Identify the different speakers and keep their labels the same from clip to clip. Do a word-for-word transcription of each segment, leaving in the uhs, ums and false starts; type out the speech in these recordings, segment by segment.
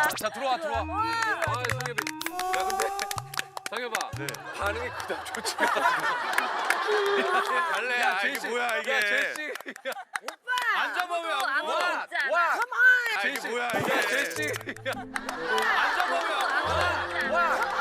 Speaker 1: 자 들어와 들어와. 아 상엽이. 야 근데 상엽아.
Speaker 2: 네.
Speaker 1: 반응이 그닥 좋지가 않아.
Speaker 2: 갈래.
Speaker 1: 야,
Speaker 2: 아,
Speaker 1: 제시.
Speaker 2: 이게 뭐야 이게.
Speaker 1: 야 제시.
Speaker 3: 오빠.
Speaker 1: 앉아봐 왜 안
Speaker 3: 아무도
Speaker 1: 와?
Speaker 3: 없잖아.
Speaker 1: 와.
Speaker 2: 아, 이게
Speaker 1: 제시.
Speaker 2: 뭐야
Speaker 1: 야
Speaker 2: 이게.
Speaker 1: 제시. 앉아봐 왜 안 와? 와.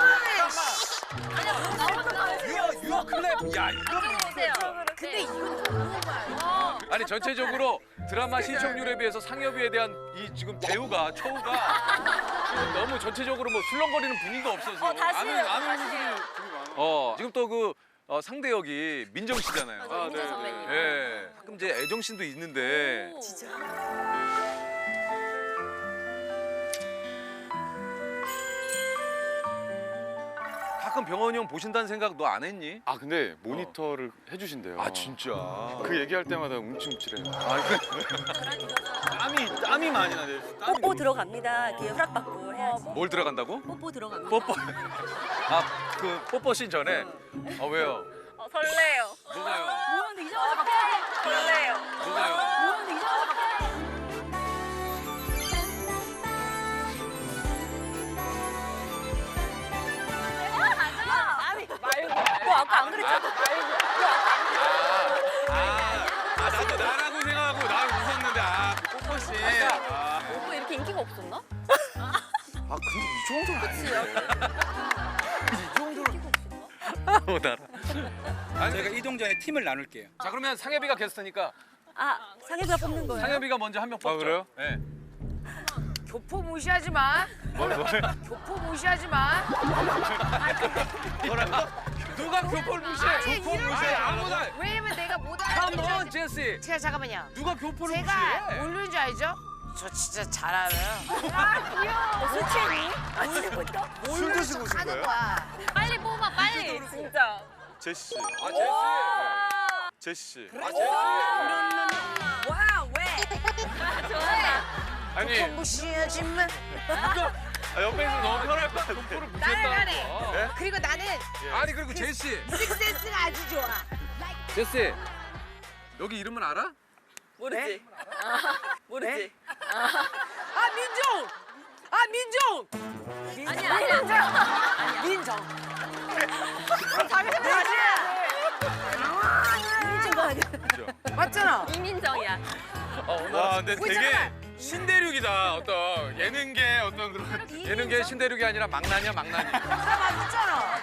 Speaker 1: 유어 유어 클랩. 야 이거.
Speaker 3: 오세요. 근데 이건 너무 봐요.
Speaker 1: 아니 전체적으로 드라마 시청률에 비해서 상엽이에 대한 이 지금 대우가 초우가 너무 전체적으로 뭐 술렁거리는 분위기가 없어서
Speaker 3: 어, 다시
Speaker 1: 아는
Speaker 3: 해요,
Speaker 1: 아는
Speaker 3: 다시
Speaker 1: 분들이
Speaker 3: 해요.
Speaker 1: 어 지금 또 그 어, 상대 역이 민정 씨잖아요.
Speaker 3: 맞아, 민정 선배님.
Speaker 1: 예. 가끔 이제 애정 씬도 있는데
Speaker 3: 진짜.
Speaker 1: 가끔 병원이 형 보신다는 생각 너 안 했니?
Speaker 2: 아 근데 모니터를 해주신대요.
Speaker 1: 아 진짜.
Speaker 2: 그 얘기할 때마다 움찔움찔해요.
Speaker 1: 아 그.
Speaker 2: 땀이 땀이 많이 나요. 땀이
Speaker 4: 뽀뽀 들어갑니다. 이렇게 허락받고 해야지.
Speaker 1: 뭘 들어간다고?
Speaker 4: 뽀뽀 들어갑니다.
Speaker 1: 뽀뽀. 아 그 뽀뽀 씬 전에. 아 왜요?
Speaker 3: 어, 설레요.
Speaker 1: 누가요?
Speaker 4: 뭐하는데 이상하다 갑자기.
Speaker 3: 설레요.
Speaker 1: 누가요?
Speaker 4: 뭐하는데 이상하다 갑자기. 너 아까 안 그랬잖아.
Speaker 2: 아, 아 나도 나라고 생각하고 나를 웃었는데 아그 뽀뽀 씨. 아,
Speaker 3: 오빠 이렇게 인기가 없었나?
Speaker 2: 아 근데 이 정도는 아니에요.
Speaker 1: 못 알아. 아니
Speaker 5: 저희가 이동전에 팀을 나눌게요.
Speaker 1: 자 그러면 상엽이가 게스트니까
Speaker 4: 아 상엽이가 뽑는 거예요?
Speaker 1: 상엽이가 먼저 한 명 뽑죠.
Speaker 2: 아, 그래요?
Speaker 1: 네.
Speaker 6: 교포 무시하지 마.
Speaker 1: 뭘 뭘?
Speaker 6: 교포 무시하지 마.
Speaker 1: 누가 교포를 무시해?
Speaker 6: 교포
Speaker 1: 무시해? 아무나.
Speaker 6: 왜냐면 내가 못
Speaker 1: Come on,
Speaker 6: 알아듣는
Speaker 1: 제시.
Speaker 6: 제가 잠깐만요.
Speaker 1: 누가 교포를
Speaker 6: 제가
Speaker 1: 무시해?
Speaker 6: 모르는 줄 알죠? 저 진짜 잘 알아요.
Speaker 4: 술 취했니? 아 진짜 뭐죠?
Speaker 2: 술 드시고 오신
Speaker 6: 하는
Speaker 2: 거예요?
Speaker 6: 거야.
Speaker 3: 빨리 뽑아 빨리. 진짜.
Speaker 2: 제시 씨.
Speaker 1: 아 제시.
Speaker 2: 제시 씨.
Speaker 1: 아 제시.
Speaker 4: 와 왜?
Speaker 3: 좋아요.
Speaker 1: 아니
Speaker 6: 무시하지 마.
Speaker 2: 아, 옆에서 너무 편할 것 같아.
Speaker 1: 교포를
Speaker 6: 나래가래.
Speaker 1: 무시했다는
Speaker 2: 네?
Speaker 6: 그리고 나는
Speaker 1: 거. 아니 그리고 제시.
Speaker 6: 식센스가 아주 좋아.
Speaker 1: 제시. 여기 이름은 알아?
Speaker 4: 모르지. 모르지.
Speaker 6: 아 민종. 아 민종.
Speaker 3: 아니야 아니야.
Speaker 6: 민정.
Speaker 4: 당연히 아니야. 미친 거 아니야?
Speaker 6: 맞잖아.
Speaker 3: 이민정이야.
Speaker 1: 어,
Speaker 2: 와 근데
Speaker 6: 왜
Speaker 2: 되게
Speaker 6: 잠깐만.
Speaker 2: 신대륙이다. 어떤 예능계 어떤 그런.
Speaker 1: 예능계 신대륙이 아니라 망나니야 망나니.
Speaker 6: 나 맞았잖아.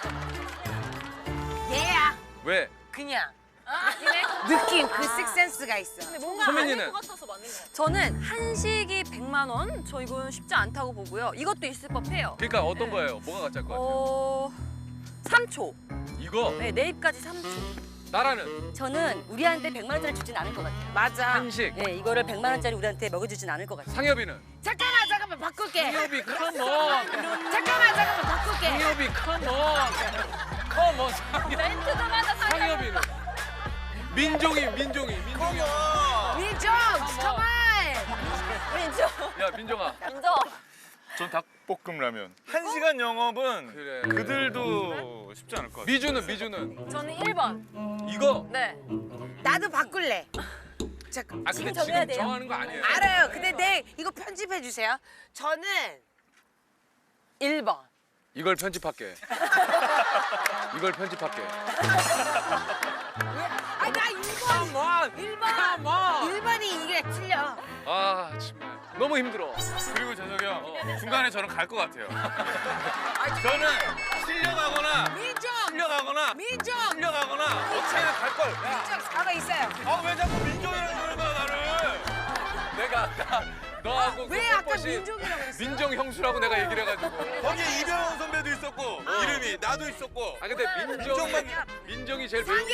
Speaker 6: 얘야.
Speaker 1: 왜?
Speaker 6: 그냥
Speaker 3: 느낌에?
Speaker 6: 느낌 그 식센스가 있어.
Speaker 1: 소민이는?
Speaker 4: 저는 한식이 백만 원? 저 이건 쉽지 않다고 보고요. 이것도 있을 법해요.
Speaker 1: 그러니까 어떤 거예요? 뭐가 가짜일 것 같아요?
Speaker 4: 어... 삼 초.
Speaker 1: 이거
Speaker 4: 네, 내 입까지 삼 초.
Speaker 1: 나라는
Speaker 4: 저는 우리한테 백만 원짜리 주진 않을 것 같아요.
Speaker 6: 맞아.
Speaker 1: 한식.
Speaker 4: 네, 이거를 백만 원짜리 우리한테 먹여주진 않을 것 같아요.
Speaker 1: 상엽이는
Speaker 6: 잠깐만 잠깐만 바꿀게.
Speaker 1: 상엽이 컴온.
Speaker 6: 잠깐만 잠깐만 바꿀게.
Speaker 1: 상엽이 컴온. 컴온 상엽.
Speaker 3: 멘트도 맞아 상엽.
Speaker 1: 상엽이는 민종이 민종이 민종이.
Speaker 6: 민정 잠깐만.
Speaker 3: 민정.
Speaker 1: 야 민종아.
Speaker 3: 민정.
Speaker 2: 전 닭볶음 라면. 한 시간 영업은
Speaker 1: 그래.
Speaker 2: 그들도 쉽지 않을 것 같아.
Speaker 1: 미주는 미주는
Speaker 3: 저는 일 번.
Speaker 1: 이거.
Speaker 3: 네.
Speaker 6: 나도 바꿀래. 잠깐.
Speaker 1: 아 근데
Speaker 4: 지금 정해야
Speaker 1: 지금
Speaker 4: 돼요.
Speaker 1: 정하는 거 아니에요.
Speaker 6: 알아요. 근데 내 이거 편집해 주세요. 저는 일 번.
Speaker 1: 이걸 편집할게. 이걸 편집할게.
Speaker 6: 아 나 일 번.
Speaker 1: 컴온.
Speaker 6: 일 번. 일 번이 이게 틀려.
Speaker 1: 아 정말 너무 힘들어.
Speaker 2: 그리고 재석이 형 중간에 저는 갈 것 같아요. 저는 실려가거나
Speaker 6: 민정.
Speaker 2: 실려가거나
Speaker 6: 민정.
Speaker 2: 실려가거나 어떻게든 갈 걸. 야,
Speaker 6: 민정 사과 있어요.
Speaker 2: 아 왜 자꾸 민정이라고 그러는 거야 나를?
Speaker 1: 내가 아까 너하고
Speaker 6: 왜
Speaker 1: 그
Speaker 6: 아까
Speaker 1: 뽀뽀시
Speaker 6: 민정이라고 그랬어?
Speaker 1: 민정 형수라고 내가 얘기를 해가지고.
Speaker 2: 거기에 이병헌 선배도 있었고 이름이 나도 있었고.
Speaker 1: 아 근데 민정이
Speaker 2: 민정만-
Speaker 1: 민정이 제일 배우는 게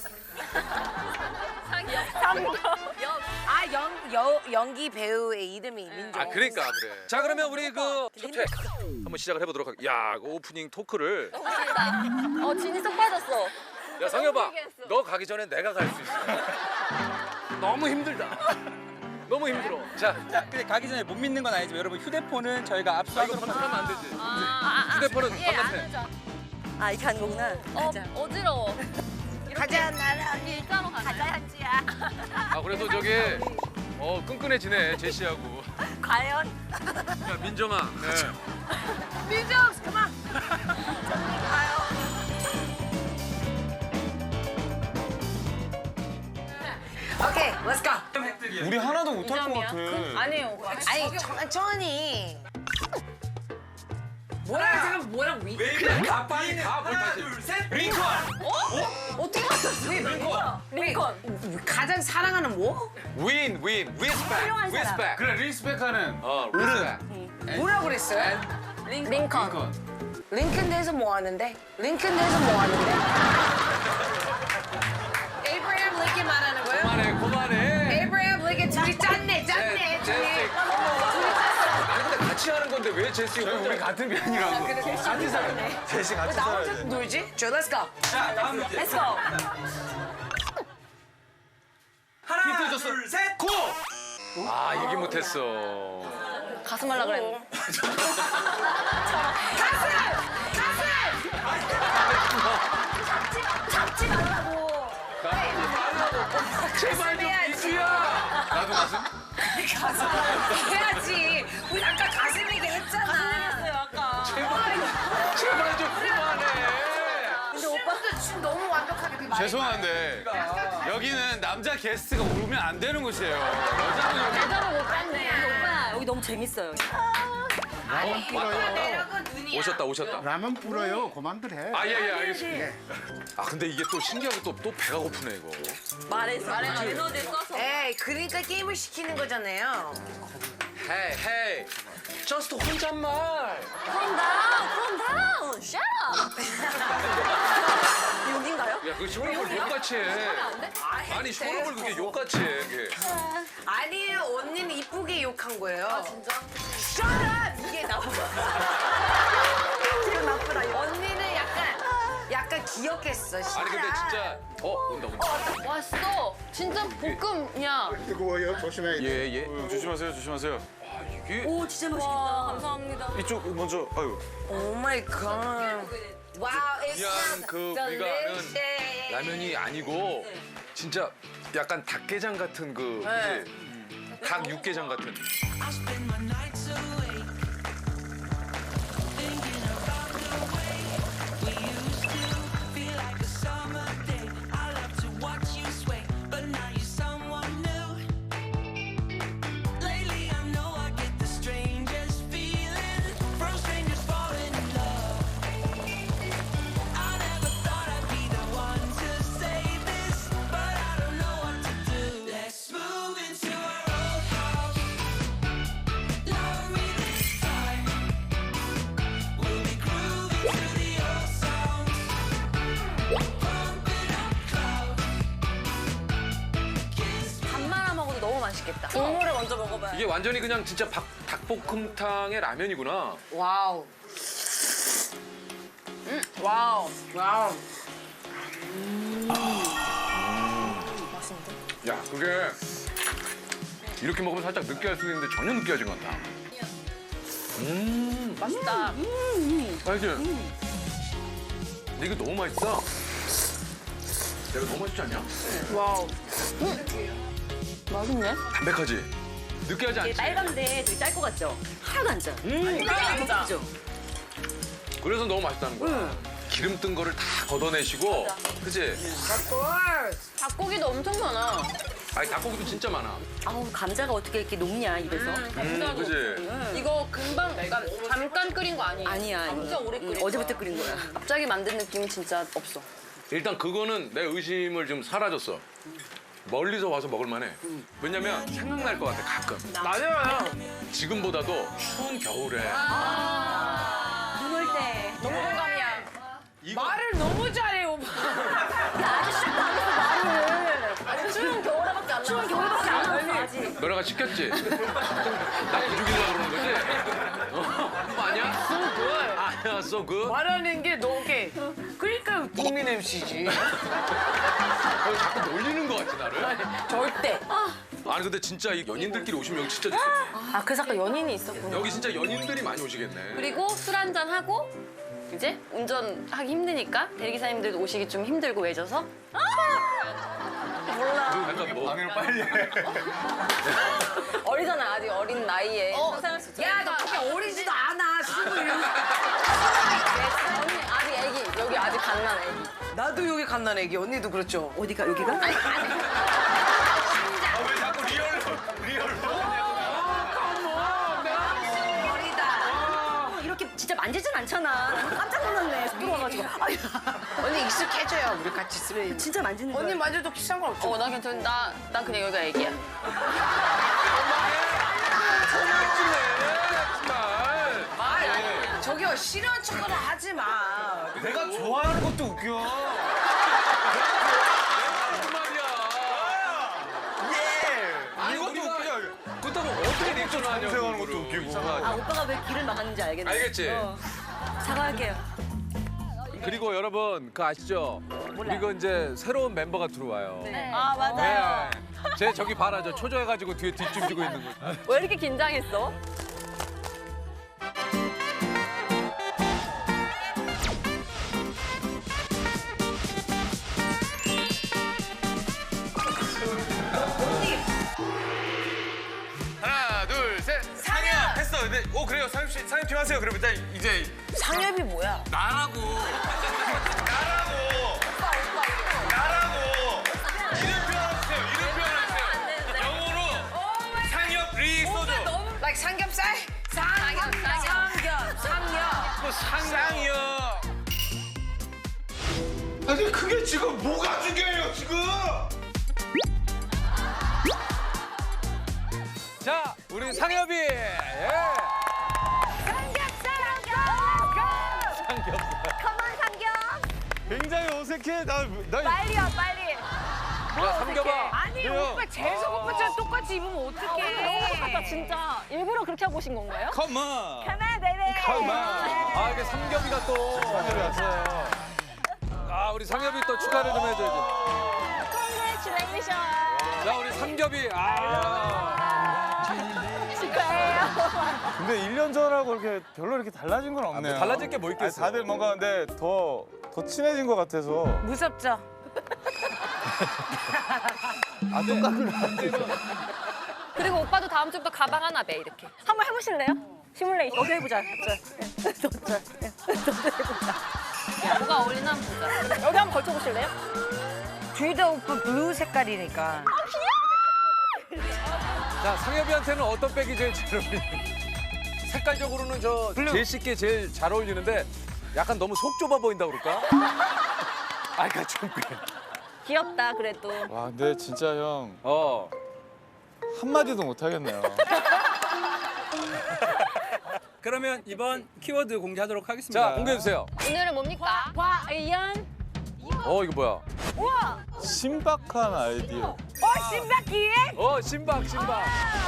Speaker 3: 상엽. 상엽.
Speaker 6: 아 연 여, 연기 배우의 이름이 민정.
Speaker 1: 아 그러니까 그래. 자 그러면 우리 그 첫회 한번 시작을 해보도록 할게. 야, 그 오프닝 토크를.
Speaker 3: 너무 길다. 어 진이 쏙 빠졌어.
Speaker 1: 야 상엽아,
Speaker 3: 모르겠어.
Speaker 1: 너 가기 전에 내가 갈 수 있어. 너무 힘들다. 너무 힘들어. 자,
Speaker 5: 자, 근데 가기 전에 못 믿는 건 아니지만 여러분 휴대폰은 저희가
Speaker 1: 아, 이거
Speaker 5: 압수하도록
Speaker 1: 방송하면 안 되지.
Speaker 3: 아, 아, 아.
Speaker 1: 휴대폰은
Speaker 3: 예, 안
Speaker 1: 바깥에.
Speaker 3: 하자.
Speaker 4: 아 이렇게 하는 거구나.
Speaker 3: 어,
Speaker 4: 가자.
Speaker 3: 어지러워.
Speaker 6: 가자 나라.
Speaker 3: 일자로 가자.
Speaker 6: 한지야.
Speaker 1: 아 그래도 저기 어 끈끈해지네 제시하고.
Speaker 3: 과연?
Speaker 1: 야 민정아.
Speaker 6: 민정, 그만. 오케이, let's go.
Speaker 2: 우리 하나도 못할 것 같아.
Speaker 3: 아니에요.
Speaker 6: 아니, 천천히. 뭐야, 지금 뭐랑 위?
Speaker 1: 가 빨리 가. 뭘 다시.
Speaker 2: 링컨.
Speaker 3: 어떻게 맞췄어? 링컨. 링컨.
Speaker 6: 가장 사랑하는 뭐?
Speaker 1: 윈 윈. 리스펙.
Speaker 3: 훌륭한 사람.
Speaker 1: 리스펙.
Speaker 2: 그래 리스펙하는
Speaker 1: 어 리스펙.
Speaker 6: 뭐라고 그랬어요?
Speaker 3: 링컨.
Speaker 6: 링컨 대에서 뭐 하는데? 링컨 대에서 뭐 하는데? 에이브라함 링컨 말하는 거예요?
Speaker 1: 그만해 그만해.
Speaker 6: 에이브라함 링컨 둘이 짰네, 짰네,
Speaker 1: 제시.
Speaker 6: 둘이.
Speaker 1: 아니 근데 같이 하는 건데 왜 제시 혼자?
Speaker 2: 우리 같은 편이라고. 같이 살아. 제시 같이
Speaker 6: 나
Speaker 2: 살아야
Speaker 6: 혼자
Speaker 2: 돼.
Speaker 6: 놀지? 저, let's go.
Speaker 2: 자 다음 문제.
Speaker 3: Let's go.
Speaker 2: 힌트 줬어. 둘, 셋, 고!
Speaker 1: 아 얘기 못했어.
Speaker 3: 가슴 하려고 그랬는데. 잡지 말라고.
Speaker 1: 제발 좀 이주야. 나도 가슴?
Speaker 6: 해야지. 우리 아까 가슴 얘기 했잖아.
Speaker 3: 했어요 아까.
Speaker 1: 제발 좀 그만해.
Speaker 6: 근데 오빠도 춤 너무 완벽하게 그 말.
Speaker 2: 죄송한데 여기는 남자 게스트가 오면 안 되는 곳이에요. 여자는 여기.
Speaker 3: 제대로 못 봤네.
Speaker 4: 근데 오빠 여기 너무 재밌어요.
Speaker 6: 아니, 오빠 매력은 눈이야.
Speaker 1: 오셨다 오셨다.
Speaker 7: 라면 불어요. 그만들 해.
Speaker 1: 아 예 예 알겠습니다. 아 근데 이게 또 신기하게 또 또 배가 고프네 이거.
Speaker 4: 말해서 말해서 에너지 써서.
Speaker 6: 에이, 그러니까 게임을 시키는 거잖아요.
Speaker 1: 헤이 헤이. 저스트 혼잣말.
Speaker 4: Calm down, calm down. Shut up. 여긴가요?
Speaker 1: 야 그 쇼를 욕같이 해. 아니 쇼를 그게 욕같이 해. 이게.
Speaker 6: 아니에요, 언니는 이쁘게 욕한 거예요. 아, 진짜? Shut up! 이게 나와.
Speaker 4: 기분 나쁘다 이거.
Speaker 6: 언니는 약간, 약간 기억했어.
Speaker 1: 아니 근데 진짜 어 온다 온다.
Speaker 3: 왔어. 진짜 볶음이야.
Speaker 7: 뜨거워요. 조심해야 돼.
Speaker 1: 예 예.
Speaker 2: 조심하세요, 조심하세요.
Speaker 1: 아 이게
Speaker 4: 오 진짜 맛있겠다. 감사합니다.
Speaker 2: 이쪽 먼저. 아유.
Speaker 6: 오 마이 갓. 와우, it
Speaker 1: 그냥
Speaker 6: smells
Speaker 1: 그 우리가 아는
Speaker 6: delicious.
Speaker 1: 라면이 아니고 진짜 약간 닭게장 같은 그
Speaker 6: 네.
Speaker 1: 그치? 닭 육개장 같은.
Speaker 4: 밥 말아 먹어도 너무 맛있겠다. 국물을 먼저 먹어봐요.
Speaker 1: 이게 완전히 그냥 진짜 박, 닭볶음탕의 라면이구나.
Speaker 6: 와우. 음, 와우. 와우.
Speaker 1: 야 그게 이렇게 먹으면 살짝 느끼할 수도 있는데 전혀 느끼하지 않다. 음
Speaker 3: 맛있다.
Speaker 1: 맛있지? 근데 이거 너무 맛있다. 내가 너무 맛있지 않냐?
Speaker 3: 와우. 맛있네.
Speaker 1: 담백하지? 느끼하지 않지?
Speaker 4: 빨간데 되게 짤 것 같죠? 하나도 안 짜. 음,
Speaker 3: 안 짜.
Speaker 4: 그죠?
Speaker 1: 그래서 너무 맛있다는 거야. 기름 뜬 거를 다 걷어내시고, 그치?
Speaker 3: 닭고기도 엄청 많아.
Speaker 1: 아니 닭고기도 진짜 많아.
Speaker 4: 아우 감자가 어떻게 이렇게 녹냐 입에서?
Speaker 1: 음, 그치?
Speaker 3: 이거 금방 그러니까 잠깐 끓인 거 아니에요?
Speaker 4: 아니야. 이거.
Speaker 3: 엄청 오래 끓인
Speaker 4: 응, 어제부터 끓인 거야.
Speaker 3: 갑자기 만든 느낌이 진짜 없어.
Speaker 1: 일단 그거는 내 의심을 좀 사라졌어. 멀리서 와서 먹을 만해. 왜냐면 생각날 것 같아, 가끔.
Speaker 6: 맞아요.
Speaker 1: 지금보다도 추운 겨울에
Speaker 4: 눈 올 때.
Speaker 3: 너무 공감이야.
Speaker 1: 이거
Speaker 6: 말을 너무 잘해, 오빠.
Speaker 3: 추운 겨울에밖에 안
Speaker 4: 추운
Speaker 3: 나왔어.
Speaker 4: 겨울밖에 안 나왔어 아직.
Speaker 1: 너네가 시켰지? 나 기죽이려고 그러는 거지? 어? 그거 아니야?
Speaker 6: So good.
Speaker 1: 아니야, so good.
Speaker 6: 말하는 게 너게. 그러니까 국민 엠씨지.
Speaker 1: 어, 자꾸 놀리는 거 같지, 나를?
Speaker 6: 절대.
Speaker 1: 아니, 근데 진짜 이 연인들끼리 오시면 여기 진짜 좋겠네.
Speaker 3: 아 그래서 아까 연인이 있었구나.
Speaker 1: 여기 진짜 연인들이 많이 오시겠네.
Speaker 3: 그리고 술 한잔 하고 이제 운전하기 힘드니까 대리기사님들도 오시기 좀 힘들고 외져서
Speaker 1: 약간 뭐
Speaker 2: 방해를 빨리 해.
Speaker 3: 어리잖아 아직 어린 나이에 상상할 수 있죠.
Speaker 6: 야, 너 그렇게 어리지도 않아. 스물.
Speaker 3: 언니 아직 애기 여기 아직 갓난 애기.
Speaker 6: 나도 여기 갓난 애기. 언니도 그렇죠. 어디가 여기가?
Speaker 2: 아, 왜 자꾸 리얼로 리얼로.
Speaker 4: 이렇게 진짜 만지진 않잖아. 나는 깜짝 놀랐네. 속 들어와가지고. 아유,
Speaker 6: 언니 익숙해져요. 우리 같이 쓰면.
Speaker 4: 진짜 만지는 거야.
Speaker 6: 언니 만져도 비싼 건 없죠.
Speaker 3: 어 나 괜찮 나난 그냥 여기가 애기야.
Speaker 6: 말. 저기요, 싫어하는 척을 하지 마.
Speaker 2: 내가 좋아하는 것도 웃겨. 예. 이것도 웃겨.
Speaker 1: 그렇다고 어떻게 리액션을 하냐고.
Speaker 2: 생각하는 것도 웃기고.
Speaker 4: 아, 오빠가 왜 길을 막았는지 알겠네.
Speaker 1: 알겠지?
Speaker 4: 사과할게요.
Speaker 1: 그리고 여러분 그 아시죠? 그리고 이제 새로운 멤버가 들어와요.
Speaker 4: 아, 맞아요.
Speaker 1: 네. 제 저기 봐라 저 초조해가지고 뒤에 뒷춤지고 있는 거.
Speaker 3: 왜 이렇게 긴장했어?
Speaker 2: 하나, 둘, 셋. 상엽 했어. 근데 오 그래요. 상엽 씨, 상엽 팀 하세요. 그럼 일단 이제
Speaker 6: 상엽이 뭐야?
Speaker 2: 나라고. 나라고. 나라고. 이름 표현하세요. 이름 표현하세요. 영어로 상엽 리 소주.
Speaker 6: like 삼겹살? 상엽, 상엽, 상엽.
Speaker 2: 뭐 상상이요. 아니 그게 지금 뭐가 중요해요 지금?
Speaker 1: 자 우리 상엽이. 예.
Speaker 4: 컴온, 삼겹.
Speaker 2: 굉장히 어색해. 나 나.
Speaker 4: 빨리 와, 빨리.
Speaker 1: 야 삼겹아.
Speaker 6: 아니, 오빠 재석 오빠처럼 똑같이 입으면 어떡해.
Speaker 3: 진짜 일부러 그렇게 하고 오신 건가요?
Speaker 2: 컴온.
Speaker 4: 가만, 베이베.
Speaker 2: 컴온.
Speaker 1: 아 이게 삼겹이가 또.
Speaker 2: 상엽이 왔어요.
Speaker 1: 아 우리 상엽이 또 축하를 좀 해줘야지.
Speaker 4: Congratulations.
Speaker 1: 자 우리 삼겹이. 아.
Speaker 4: 축하해요.
Speaker 8: 근데 일 년 전하고 이렇게 별로 이렇게 달라진 건 없네요.
Speaker 1: 뭐 달라질 게 뭐 있겠어.
Speaker 8: 아니, 다들 뭔가 근데 더, 더 친해진 것 같아서.
Speaker 6: 무섭죠?
Speaker 8: 아, 똑같구나.
Speaker 3: 그리고 오빠도 다음 주부터 가방 하나 매 이렇게.
Speaker 4: 한번 해보실래요? 시뮬레이션. 너도 해보자. 너도 해보자.
Speaker 3: 뭐가 어울리나 한번 보자.
Speaker 4: 여기 한번 걸쳐보실래요?
Speaker 6: 둘 다 오빠 블루 색깔이니까.
Speaker 1: 자 상엽이한테는 어떤 백이 제일 잘 어울리는? 색깔적으로는 저 제일 쉽게 제일 잘 어울리는데 약간 너무 속 좁아 보인다 그럴까? 아 그러니까 좀 그래.
Speaker 4: 귀엽다, 그래도.
Speaker 8: 와, 근데 진짜 형
Speaker 1: 어.
Speaker 8: 한마디도 못 하겠네요.
Speaker 5: 그러면 이번 키워드 공개하도록 하겠습니다.
Speaker 1: 자 공개해 주세요.
Speaker 3: 오늘은 뭡니까?
Speaker 4: 과연.
Speaker 1: 어 이거 뭐야?
Speaker 4: 우와.
Speaker 8: 신박한 아이디어.
Speaker 6: 어, 신박기에?
Speaker 1: 어 신박 신박.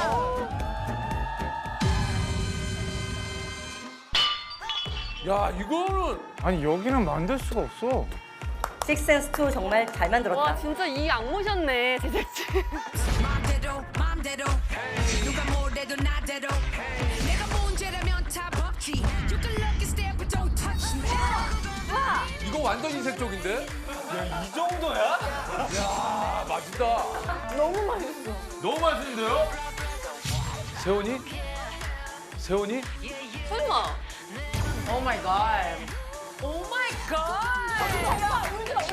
Speaker 1: 야 이거는
Speaker 8: 아니, 여기는 만들 수가 없어.
Speaker 4: 식센스투 정말 잘 만들었다.
Speaker 3: 와 진짜 이 악모셨네 제작진.
Speaker 9: 맘대로 맘대로 누가 뭐래도 나대로 내가 문제라면 답 없지 You can look and stare but don't touch me
Speaker 1: 이거 완전 이색적인데?
Speaker 2: 이 정도야?
Speaker 1: 야 맛있다.
Speaker 3: 너무 맛있어.
Speaker 2: 너무 맛있는데요?
Speaker 1: 세훈이? 세훈이?
Speaker 3: 설마.
Speaker 6: 오 마이 갓.
Speaker 3: 오 마이 갓.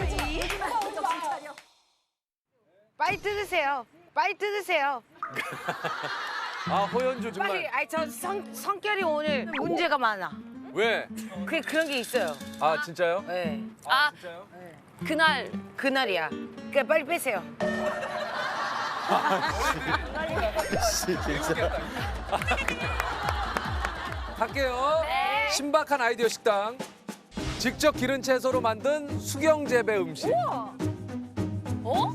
Speaker 6: 빨리 뜯으세요. 빨리 뜯으세요.
Speaker 1: 아 호연주 정말.
Speaker 6: 빨리. 아니, 저 성, 성격이 오늘 문제가 많아.
Speaker 1: 왜?
Speaker 6: 그, 그런 게 있어요.
Speaker 1: 아 진짜요?
Speaker 6: 네.
Speaker 3: 아 그날
Speaker 6: 그날이야. 그러니까 빨리 빼세요.
Speaker 1: 갈게요. 신박한 아이디어 식당. 직접 기른 채소로 만든 수경 재배 음식.
Speaker 3: 어?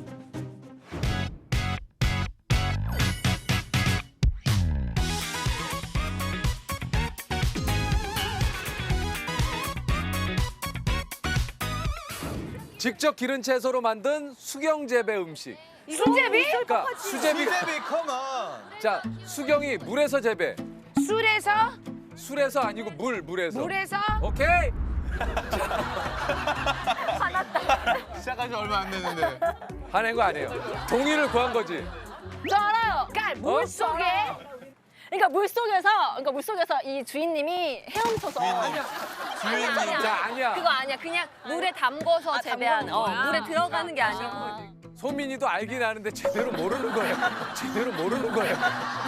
Speaker 1: 직접 기른 채소로 만든 수경 재배 음식.
Speaker 6: 수제비?
Speaker 1: 그러니까 수제비.
Speaker 8: 수제비, 컴온.
Speaker 1: 자 수경이 물에서 재배.
Speaker 6: 술에서?
Speaker 1: 술에서 아니고 물 물에서.
Speaker 6: 물에서?
Speaker 1: 오케이.
Speaker 8: 시작한 지 얼마 안 됐는데.
Speaker 1: 화낸 거 아니에요. 동의를 구한 거지.
Speaker 4: 저 알아요.
Speaker 6: 그러니까 물 속에
Speaker 4: 그러니까 물 속에서 그러니까 물 속에서 이 주인님이 헤엄쳐서
Speaker 8: 주인님.
Speaker 4: 아니야,
Speaker 1: 자, 아니야.
Speaker 4: 그거 아니야. 그냥 물에 담궈서 재배한 어, 물에 들어가는 게 아니고.
Speaker 1: 소민이도 알긴 아는데 제대로 모르는 거예요. 제대로 모르는 거예요.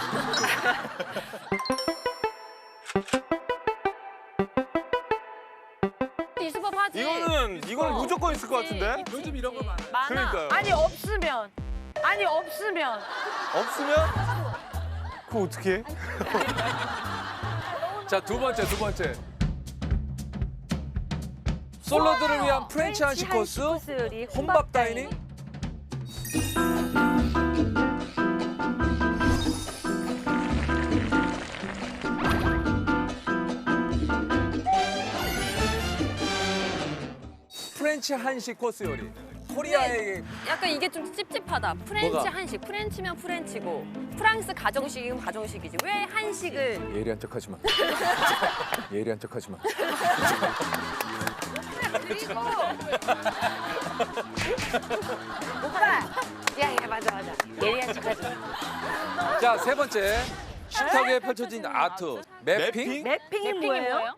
Speaker 4: 있을 법하지.
Speaker 8: 이거는 이거는 무조건 있을 것 같은데.
Speaker 1: 요즘 이런 거 많아요.
Speaker 4: 많아.
Speaker 8: 그러니까요.
Speaker 6: 아니 없으면 아니 없으면
Speaker 8: 없으면 그거 어떻게?
Speaker 1: 자, 두 번째, 두 번째. 솔로들을 위한 프렌치 한식 코스, 혼밥 다이닝. 프렌치 한식 코스 요리. 코리아의
Speaker 4: 약간 이게 좀 찝찝하다. 프렌치
Speaker 1: 뭐가?
Speaker 4: 한식. 프렌치면 프렌치고 프랑스 가정식이면 가정식이지. 왜 한식을
Speaker 1: 예리한 척하지 마. 예리한 척하지 마.
Speaker 6: 오빠 야, 야 맞아 맞아 예리한 척하지 마.
Speaker 1: 자, 세 번째. 식탁 위에 펼쳐진 아트. 매핑.
Speaker 6: 맵핑이
Speaker 4: 핑이
Speaker 6: 뭐예요?
Speaker 4: 뭐예요?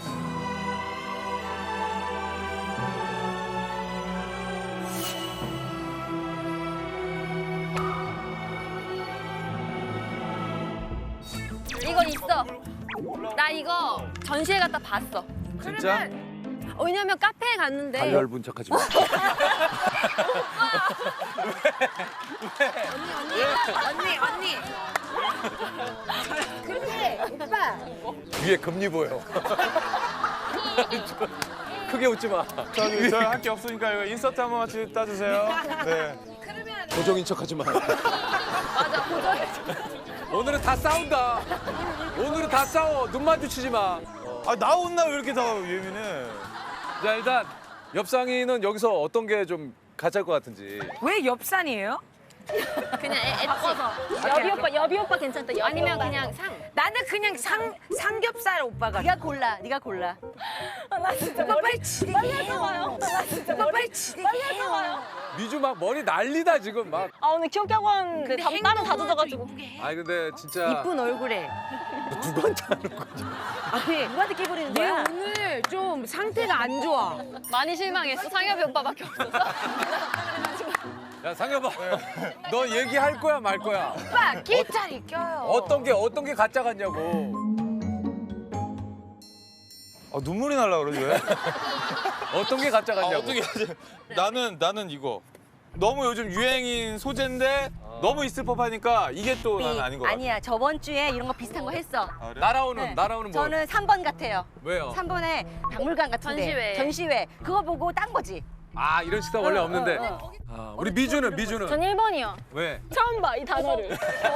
Speaker 4: 이거 있어. 나 이거 전시회 갔다 봤어.
Speaker 1: 진짜?
Speaker 4: 어, 왜냐면 카페에 갔는데
Speaker 1: 발열분 척하지 마.
Speaker 6: 언니 언니 근데 오빠
Speaker 1: 위에 금리 보여. 크게 웃지 마.
Speaker 8: 저기 저 할 게 없으니까 이거 인서트 한 번만 지- 따주세요. 네.
Speaker 1: 고정인 척하지 마.
Speaker 4: 맞아 고정해.
Speaker 1: 오늘은 다 싸운다. 오늘은 다 싸워. 눈 마주치지 마.
Speaker 8: 아 나 혼나 왜 이렇게 다 예민해?
Speaker 1: 자, 일단 옆상이는 여기서 어떤 게 좀 가짜일 것 같은지.
Speaker 6: 왜 엽산이에요?
Speaker 4: 그냥 애, 바꿔서 여비 오빠 여비 오빠 괜찮다. 여비 아니면 그냥 상.
Speaker 6: 나는 그냥 상 삼겹살 오빠가 네가 골라 네가 골라
Speaker 4: 나 진짜
Speaker 6: 오빠 빨리 지대게
Speaker 4: 빨리 와요. 나 진짜
Speaker 6: 오빠 빨리 지대게 해요.
Speaker 1: 미주 막 머리 난리다 지금 막.
Speaker 4: 아 오늘 기억학원 그
Speaker 6: 근데
Speaker 4: 땀은 다
Speaker 6: 행동은
Speaker 4: 젖어가지고.
Speaker 6: 좀 이쁘게 해.
Speaker 1: 아니 근데 진짜
Speaker 6: 이쁜 얼굴에
Speaker 1: 누구한테 하는 거지?
Speaker 6: 아니
Speaker 4: 누구한테 끼 부리는
Speaker 6: 얘
Speaker 4: 거야?
Speaker 6: 오늘 좀 상태가 안 좋아.
Speaker 4: 많이 실망했어. 상엽이 오빠밖에 없어서.
Speaker 1: 야 상엽아, 너 얘기할 거야 말 거야?
Speaker 6: 오빠 끼짜리 껴요.
Speaker 1: 어떤 게 어떤 게 가짜 같냐고.
Speaker 8: 아 눈물이 날라 그러지 왜?
Speaker 1: 어떤 게 가짜
Speaker 8: 아,
Speaker 1: 같냐고.
Speaker 8: 어떻게 하지? 나는 나는 이거 너무 요즘 유행인 소재인데 너무 있을 법하니까 이게 또 난 아닌 것 같아.
Speaker 10: 아니야 저번 주에 이런 거 비슷한 거 했어.
Speaker 8: 아, 그래?
Speaker 1: 날아오는
Speaker 10: 네.
Speaker 1: 날아오는 뭐?
Speaker 10: 저는 삼 번 같아요.
Speaker 1: 왜요?
Speaker 10: 삼 번에 박물관 같은데
Speaker 4: 전시회.
Speaker 10: 전시회 그거 보고 딴 거지.
Speaker 1: 아 이런 식당 원래
Speaker 10: 어,
Speaker 1: 없는데.
Speaker 10: 어, 어.
Speaker 1: 아, 우리 미주는 미주는
Speaker 4: 전 일 번이요.
Speaker 1: 왜?
Speaker 4: 처음 봐 이 단어를.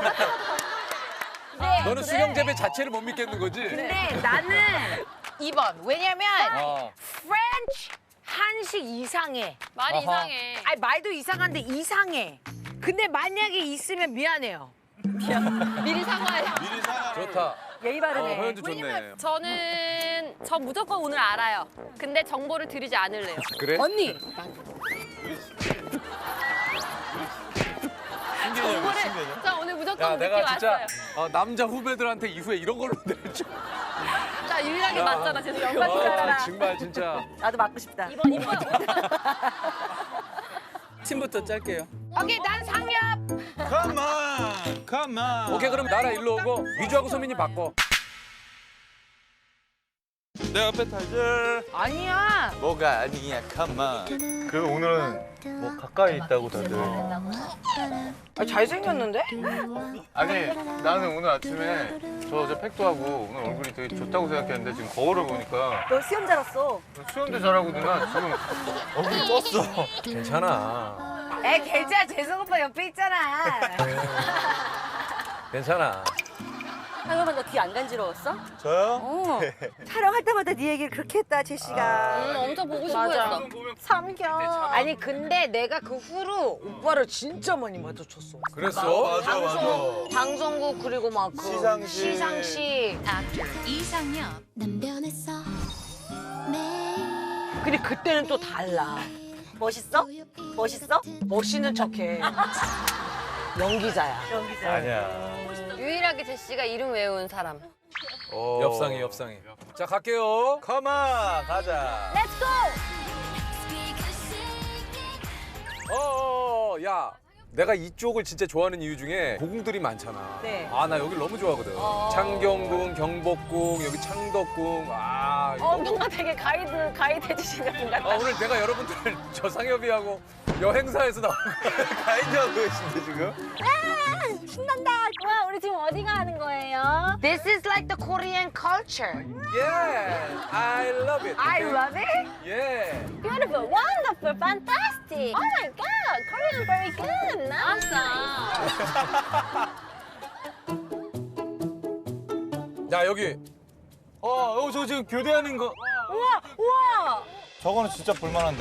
Speaker 10: 네,
Speaker 1: 너는 수영 재배 자체를 못 믿겠는 거지?
Speaker 6: 근데 나는 이 번. 왜냐면
Speaker 1: 어.
Speaker 6: 프렌치 한식 이상해.
Speaker 4: 말이
Speaker 1: 아하.
Speaker 4: 이상해.
Speaker 6: 아니 말도 이상한데 이상해. 근데 만약에 있으면 미안해요.
Speaker 4: 미리 사과해.
Speaker 8: 미리 사과.
Speaker 1: 좋다.
Speaker 10: 예의
Speaker 1: 어,
Speaker 10: 바르네.
Speaker 1: 허연주 좋네.
Speaker 4: 저는 저 무조건 오늘 알아요. 근데 정보를 드리지 않을래요.
Speaker 1: 그래?
Speaker 6: 언니
Speaker 8: 신기해요, 신기해요.
Speaker 4: 저 오늘 무조건
Speaker 1: 야
Speaker 4: 늦게
Speaker 1: 내가 진짜
Speaker 4: 왔어요.
Speaker 1: 어, 남자 후배들한테 이후에 이런 걸로 내줘.
Speaker 4: 나 유일하게 맞잖아. 진짜
Speaker 1: 아,
Speaker 4: 연관 따라라.
Speaker 1: 정말 진짜.
Speaker 10: 나도 맞고 싶다.
Speaker 4: 이번 이번.
Speaker 5: 팀부터 짤게요.
Speaker 6: 오케이 난 상엽.
Speaker 8: Come on, come on.
Speaker 1: 오케이 그럼 나라 일로 오고 미주하고 소민이 바꿔.
Speaker 8: 내 앞에 타줄.
Speaker 6: 아니야.
Speaker 8: 뭐가 아니야, come on. 그 오늘은 뭐 가까이 있다고 다들.
Speaker 6: 아, 잘생겼는데?
Speaker 8: 아니 나는 오늘 아침에 저 어제 팩도 하고 오늘 얼굴이 되게 좋다고 생각했는데 지금 거울을 보니까
Speaker 10: 너 수영자로서
Speaker 8: 수영도 잘하고 누나 지금 얼굴이 떴어.
Speaker 1: 괜찮아.
Speaker 6: 애 계좌 재성 오빠 옆에 있잖아.
Speaker 1: 괜찮아.
Speaker 10: 상엽아 너 뒤 안 간지러웠어?
Speaker 8: 저요?
Speaker 10: 어. 촬영할 때마다 네 얘기를 그렇게 했다 제시가.
Speaker 4: 음, 엄청 보고 싶어 했어.
Speaker 10: 삼겹.
Speaker 6: 아니 근데 내가 그 후로 오빠를 진짜 많이 마주쳤어.
Speaker 1: 그랬어?
Speaker 8: 맞아 맞아.
Speaker 6: 방송국 그리고 막 그
Speaker 8: 시상식.
Speaker 6: 시상식.
Speaker 9: 이상엽 난 변했어 매일
Speaker 6: 근데 그때는 또 달라.
Speaker 10: 멋있어? 멋있어?
Speaker 6: 멋있는 척해. 연기자야.
Speaker 10: 연기자.
Speaker 8: 아니야.
Speaker 4: 유일하게 제시가 이름 외운 사람.
Speaker 8: 오.
Speaker 1: 엽상이 엽상이. 자 갈게요.
Speaker 8: 컴온 가자.
Speaker 4: 렛츠고!
Speaker 1: 어어 야. 내가 이쪽을 진짜 좋아하는 이유 중에 고궁들이 많잖아.
Speaker 10: 네.
Speaker 1: 아 나 여기 너무 좋아하거든. 창경궁, 경복궁, 여기 창덕궁. 아 이거
Speaker 3: 어,
Speaker 1: 너무-
Speaker 3: 뭔가 되게 가이드 가이드 해주시는 분 같다.
Speaker 1: 아, 오늘 내가 여러분들 저상엽이하고 여행사에서 나온
Speaker 8: 가이드하고 계신데 지금?
Speaker 4: 신난다. 와, 우리 지금 어디 가는 거예요?
Speaker 6: This is like the Korean culture.
Speaker 1: Yeah, I love it.
Speaker 6: I
Speaker 1: okay?
Speaker 6: love it.
Speaker 1: Yeah.
Speaker 4: Beautiful, wonderful, fantastic. Oh my god, Korean very good. Nice.
Speaker 1: 야 여기
Speaker 8: 어, 어, 저 지금 교대하는 거.
Speaker 4: 우와, 우와.
Speaker 8: 저거는 진짜 볼만한데.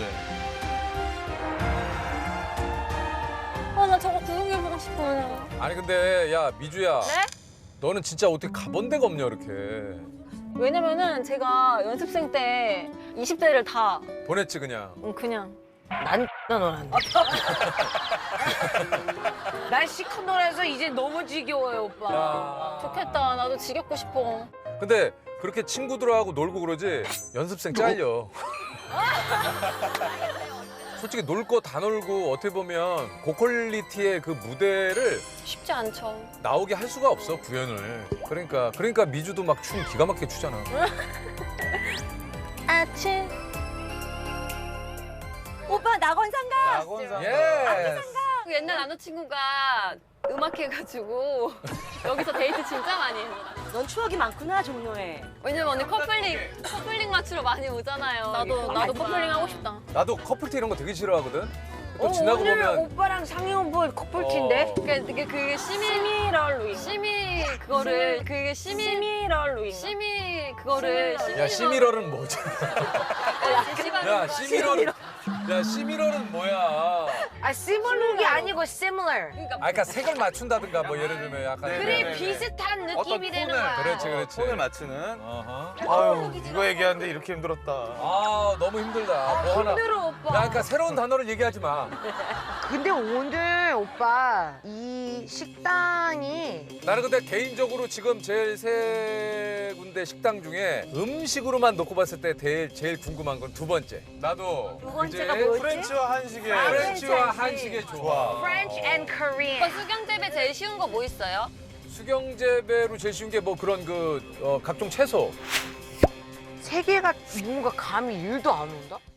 Speaker 4: 어, 나 저거 구경해보고 싶어요.
Speaker 1: 아니 근데 야 미주야.
Speaker 4: 네?
Speaker 1: 너는 진짜 어떻게 가본 데가 없냐 이렇게.
Speaker 4: 왜냐면은 제가 연습생 때 이십 대를 다
Speaker 1: 보냈지 그냥.
Speaker 4: 음, 그냥
Speaker 6: 난 놀았네. 난 시커 놀아서 이제 너무 지겨워요, 오빠.
Speaker 1: 야.
Speaker 4: 좋겠다. 나도 지겹고 싶어.
Speaker 1: 근데 그렇게 친구들하고 놀고 그러지 연습생 잘려. 솔직히 놀 거 다 놀고 어떻게 보면 고퀄리티의 그 무대를
Speaker 4: 쉽지 않죠.
Speaker 1: 나오게 할 수가 없어 구현을. 그러니까 그러니까 미주도 막 춤 기가 막히게 추잖아.
Speaker 4: 아침.
Speaker 10: 오빠 낙원상가.
Speaker 8: 낙원상.
Speaker 1: 예.
Speaker 4: 그 옛날 남자친구가 음악 해가지고 여기서 데이트 진짜 많이 했어.
Speaker 10: 넌 추억이 많구나 종로에.
Speaker 4: 왜냐면 언니 커플링 커플링 맞추러 많이 오잖아요. 나도 나도 커플링 하고 싶다.
Speaker 1: 나도 커플티 이런 거 되게 싫어하거든. 또 지나고
Speaker 6: 오늘
Speaker 1: 보면
Speaker 6: 오빠랑 상영 오빠 커플티인데?
Speaker 1: 어.
Speaker 4: 그게 그게 그게 시미 시미럴 루인. 시미 그거를 그게 시미 시미럴 루인. 시미 그거를
Speaker 1: 야 시미럴은 뭐지?
Speaker 4: 제시가
Speaker 1: 야 시미럴은 야 시미럴은 뭐야?
Speaker 6: 아, similar이 아니고 similar.
Speaker 1: 아 그러니까 색을 맞춘다든가 뭐 예를 들면 약간
Speaker 6: 그래,
Speaker 8: 네네네.
Speaker 6: 비슷한
Speaker 8: 어떤
Speaker 6: 느낌이 되는
Speaker 8: 톤을.
Speaker 6: 거야.
Speaker 1: 그렇지 그렇지.
Speaker 8: 톤을 맞추는.
Speaker 1: 어허.
Speaker 8: 아유, 이거 얘기하는데 이렇게 힘들었다.
Speaker 1: 아 너무 힘들다. 뭐 하나.
Speaker 6: 힘들어, 오빠.
Speaker 1: 야 그러니까 새로운 단어를 얘기하지 마.
Speaker 6: 근데 오늘 오빠 이 식당이
Speaker 1: 나는 근데 개인적으로 지금 제일 세 군데 식당 중에 음식으로만 놓고 봤을 때 제일, 제일 궁금한 건 두 번째.
Speaker 8: 나도
Speaker 10: 두 번째가
Speaker 1: 그제
Speaker 10: 뭐였지?
Speaker 8: 프렌치와 한식의
Speaker 10: 아,
Speaker 1: 프렌치와
Speaker 10: 프렌치.
Speaker 1: 한식의 조화.
Speaker 8: 좋아.
Speaker 6: French and Korean.
Speaker 4: 오빠 수경재배 제일 쉬운 거 뭐 있어요?
Speaker 1: 수경재배로 제일 쉬운 게 뭐 그런 그 어, 각종 채소.
Speaker 6: 세 개가 뭔가 감이 일도 안 온다?